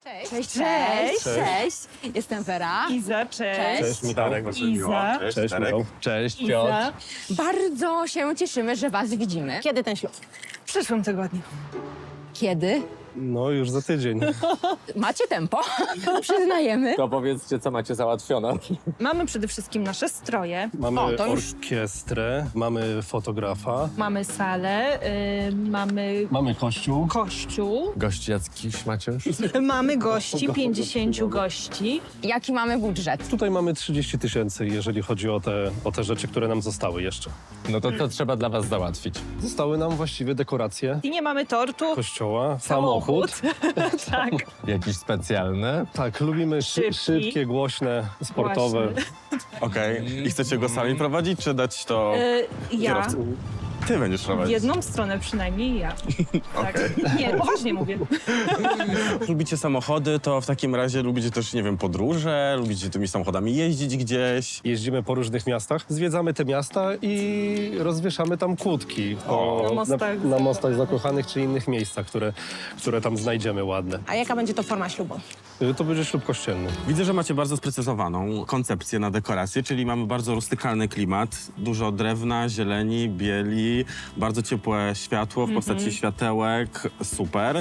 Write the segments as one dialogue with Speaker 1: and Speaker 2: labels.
Speaker 1: Cześć.
Speaker 2: Cześć. Jestem Wera.
Speaker 1: Iza, cześć.
Speaker 3: Cześć, Michał.
Speaker 1: Iza.
Speaker 3: Cześć, Michał.
Speaker 4: Cześć, Piotr.
Speaker 1: Iza.
Speaker 2: Bardzo się cieszymy, że was widzimy.
Speaker 5: Kiedy ten ślub?
Speaker 1: W przyszłym tygodniu.
Speaker 2: Kiedy?
Speaker 3: No już za tydzień.
Speaker 2: Macie tempo, przyznajemy.
Speaker 4: To powiedzcie, co macie załatwione.
Speaker 1: Mamy przede wszystkim nasze stroje,
Speaker 3: Mamy
Speaker 2: to już-
Speaker 3: orkiestrę, mamy fotografa,
Speaker 1: mamy salę, mamy
Speaker 3: mamy kościół.
Speaker 1: kościół,
Speaker 4: Gości jakiś macie już?
Speaker 1: mamy gości, 50 gości.
Speaker 2: Jaki mamy budżet?
Speaker 3: Tutaj mamy 30 000, jeżeli chodzi o te rzeczy, które nam zostały jeszcze.
Speaker 4: No to trzeba dla was załatwić.
Speaker 3: Zostały nam właściwie dekoracje
Speaker 1: I nie mamy tortu,
Speaker 3: kościoła,
Speaker 1: samochód. tak.
Speaker 4: Jakiś specjalny?
Speaker 3: Tak, lubimy szybkie, głośne, sportowe.
Speaker 1: Właśnie.
Speaker 6: Okej. I chcecie go sami prowadzić, czy dać to
Speaker 1: Ja.
Speaker 6: kierowcy? Ty będziesz
Speaker 1: W
Speaker 6: prowadzić.
Speaker 1: jedną stronę przynajmniej ja. Tak. Nie, poważnie mówię.
Speaker 6: Lubicie samochody, to w takim razie lubicie też, nie wiem, podróże, lubicie tymi samochodami jeździć gdzieś.
Speaker 3: Jeździmy po różnych miastach, zwiedzamy te miasta i rozwieszamy tam kłódki
Speaker 1: Na mostach
Speaker 3: mostach zakochanych czy innych miejscach, które tam znajdziemy ładne.
Speaker 5: A jaka będzie to forma ślubu?
Speaker 3: To będzie ślub kościelny.
Speaker 6: Widzę, że macie bardzo sprecyzowaną koncepcję na dekorację, czyli mamy bardzo rustykalny klimat, dużo drewna, zieleni, bieli, bardzo ciepłe światło w postaci światełek, super.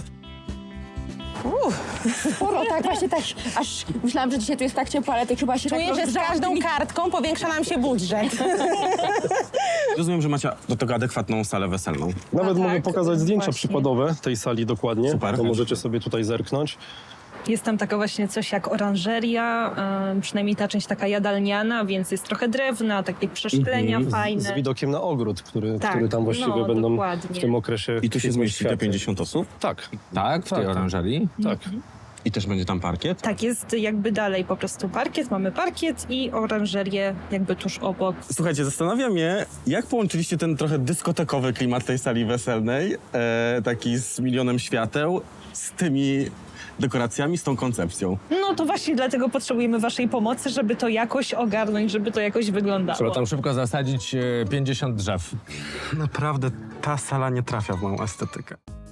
Speaker 2: Sporo, tak, właśnie tak. Aż myślałam, że dzisiaj tu jest tak ciepło, ale to chyba się
Speaker 5: Czuję,
Speaker 2: tak
Speaker 5: że z
Speaker 2: rozgrzała.
Speaker 5: każdą kartką powiększa nam się budżet.
Speaker 6: Rozumiem, że macie do tego adekwatną salę weselną.
Speaker 3: Nawet mogę
Speaker 1: tak,
Speaker 3: pokazać zdjęcia
Speaker 1: właśnie.
Speaker 3: przykładowe tej sali dokładnie.
Speaker 6: Super.
Speaker 3: To możecie sobie tutaj zerknąć.
Speaker 1: Jest tam taka właśnie coś jak oranżeria, przynajmniej ta część taka jadalniana, więc jest trochę drewna, takie przeszklenia
Speaker 3: Z
Speaker 1: fajne.
Speaker 3: widokiem na ogród, który
Speaker 1: Tak,
Speaker 3: tam właściwie
Speaker 1: no,
Speaker 3: będą
Speaker 1: dokładnie.
Speaker 3: w tym okresie.
Speaker 6: I tu się zmieści te 50 osób?
Speaker 3: Tak,
Speaker 4: Tak, w tej
Speaker 3: Tak.
Speaker 4: oranżerii?
Speaker 3: tak.
Speaker 6: I też będzie tam parkiet?
Speaker 1: Tak, jest jakby dalej po prostu parkiet, mamy parkiet i oranżerię jakby tuż obok.
Speaker 6: Słuchajcie, zastanawiam się, jak połączyliście ten trochę dyskotekowy klimat tej sali weselnej, taki z milionem świateł, z tymi dekoracjami, z tą koncepcją.
Speaker 1: No to właśnie dlatego potrzebujemy waszej pomocy, żeby to jakoś ogarnąć, żeby to jakoś wyglądało.
Speaker 4: Trzeba tam szybko zasadzić 50 drzew.
Speaker 6: Naprawdę ta sala nie trafia w moją estetykę.